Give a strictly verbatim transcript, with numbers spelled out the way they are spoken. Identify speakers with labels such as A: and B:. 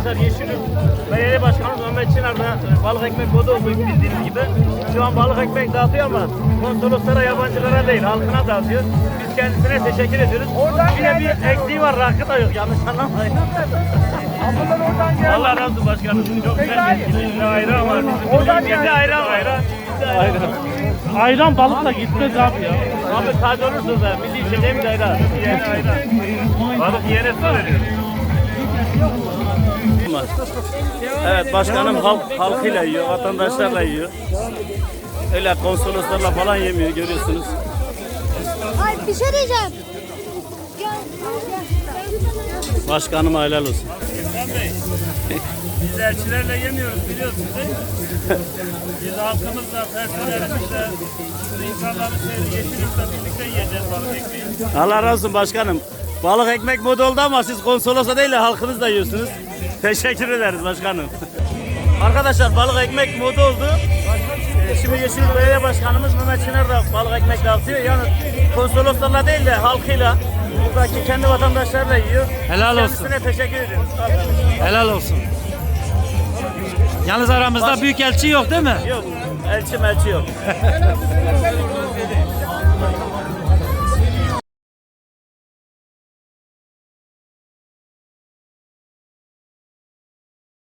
A: Arkadaşlar Yeşilyurt Belediye Başkanımız Mehmet Çınar'da balık ekmek kodu oldu bildiğiniz gibi. Şu an balık ekmek dağıtıyor ama konsoloslara, yabancılara değil halkına dağıtıyor. Biz kendisine teşekkür ediyoruz. Yine bir eksiği var, rakı da yok yanlış anlamayın.
B: Abladan oradan gel.
A: Allah razı olsun başkanım. Çok güzel bir etkinlik. Ayran var. Oradan geldi ayran var. Ayran.
C: Ayran balıkla gitmez abi ya.
A: Abi taze olursunuz da milli içeceğim de ayran. Yiyene ayran. Balık yiyene su veriyor. Evet başkanım halk, halkıyla yiyor, vatandaşlarla yiyor. Öyle konsoloslarla falan yemiyor görüyorsunuz.
D: Ay bir şey diyeceğim.
A: Başkanım helal olsun.
C: İhsan Bey, biz elçilerle yemiyoruz biliyorsunuz değil mi? Biz halkımızla, personelimizle, insanların sevdiği Yeşilyurt'la birlikte yiyeceğiz balık ekmeği.
A: Allah razı olsun başkanım. Balık ekmek moda oldu ama siz konsolosa değil de halkınızla yiyorsunuz. Teşekkür ederiz başkanım. Arkadaşlar balık ekmek moda oldu. Ee, Şimdi Yeşilyurt Belediye Başkanımız Mehmet Çınar da balık ekmek dağıtıyor. Yani konsoloslarla değil de halkıyla, buradaki kendi vatandaşlarla yiyor.
C: Helal olsun.
A: Kendisine teşekkür ediyoruz.
C: Helal olsun. Yalnız aramızda büyük elçi yok değil mi?
A: Yok, elçi melçi yok.